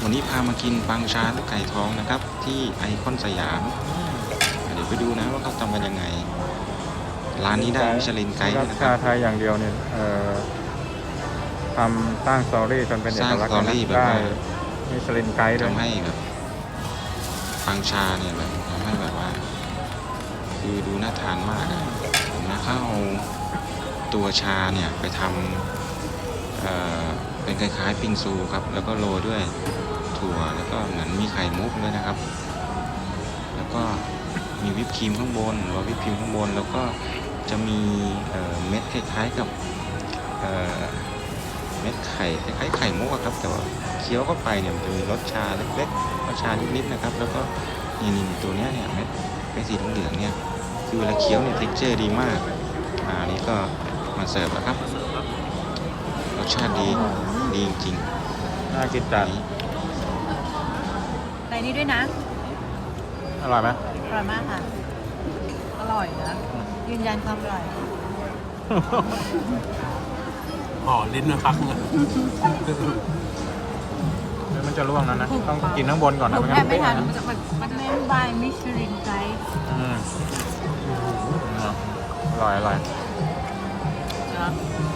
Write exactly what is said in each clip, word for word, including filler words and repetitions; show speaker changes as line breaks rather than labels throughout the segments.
วันนี้พามากินปังชาลูกไก่ทองนะครับที่ไอคอนสยามเดี๋ยวไปดูนะว่าเขาทำกันยังไงร้านนี้ได้มิชลินไกด์ด้วยนะค
ชา
รับ
ไทยอย่างเดียวเนี่ยเอ่อทำสร้างสตอรี่จนเป็นเอ
สร้าง
กลักษ
สตอ
ณ์
รี่
นะ
แบบ
ได้
ว่า
มิชลินไกด์ด้วย
ทำให้แบบปังชาเนี่ยแบบทำให้แบบว่าคือดูน่าทานมากอะผมนะเขาเอาตัวชาเนี่ยไปทำเอ่อเป็นคล้ายๆปิงซูครับแล้วก็โรยด้วยถั่วแล้วก็เหมือนมีไข่มุกด้วยนะครับแล้วก็มีวิปครีมข้างบนโรยวิปครีมข้างบนแล้วก็จะมีเอ่อเม็ดคล้ายๆกับเอ่อเม็ดไข่คล้ายๆไข่มุกอะครับแต่ว่าเคี้ยวเข้าไปเนี่ยมันจะมีรสชาเล็กๆรสชานิดๆนะครับแล้วก็นี่นี่ตัวเนี้ยเนี่ยเม็ดเม็ดสีเหลืองๆเนี่ยคือเวลาเคี้ยวเนี่ย texture ดีมากอ่านี่ก็มาเสิร์ฟแล้วครับรสชาติดีดีจริง
น่ากิน
ๆ
จั
อั
ด
นนี้
ในนี้ด้วยนะ
อร่อยไหม
อร่อยมากค่ะ อร่อยนะ ยืนยันความอร่อย
ห่อลิ้นมาพักเลย
เดี๋ยวมันจะร่วงนั้นนะต้องกินข้างบนก่อน
ผ
นะ
ม
ไม่
แท
งั้
บ
น
ไม่ทัน
นะ
มันจะมันมันจะเป็นบายมิชลินไกด์
อืมอร่อยอร่อย
นะ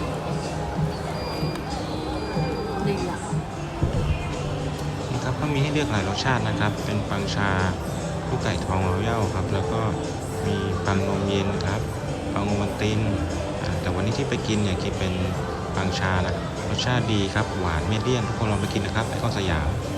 ดีอ่ะ
นะครับก็มีให้เลือกหลายรสชาตินะครับ เป็นปังชาลูกไก่ทองรอยัลครับแล้วก็มีปังนมเย็นครับปังโอวัลตินอ่าแต่วันนี้ที่ไปกินเนี่ยกินเป็นปังชานะรสชาติดีครับหวานเมเดียนทุกคนลองไปกินนะครับไอคอนสยาม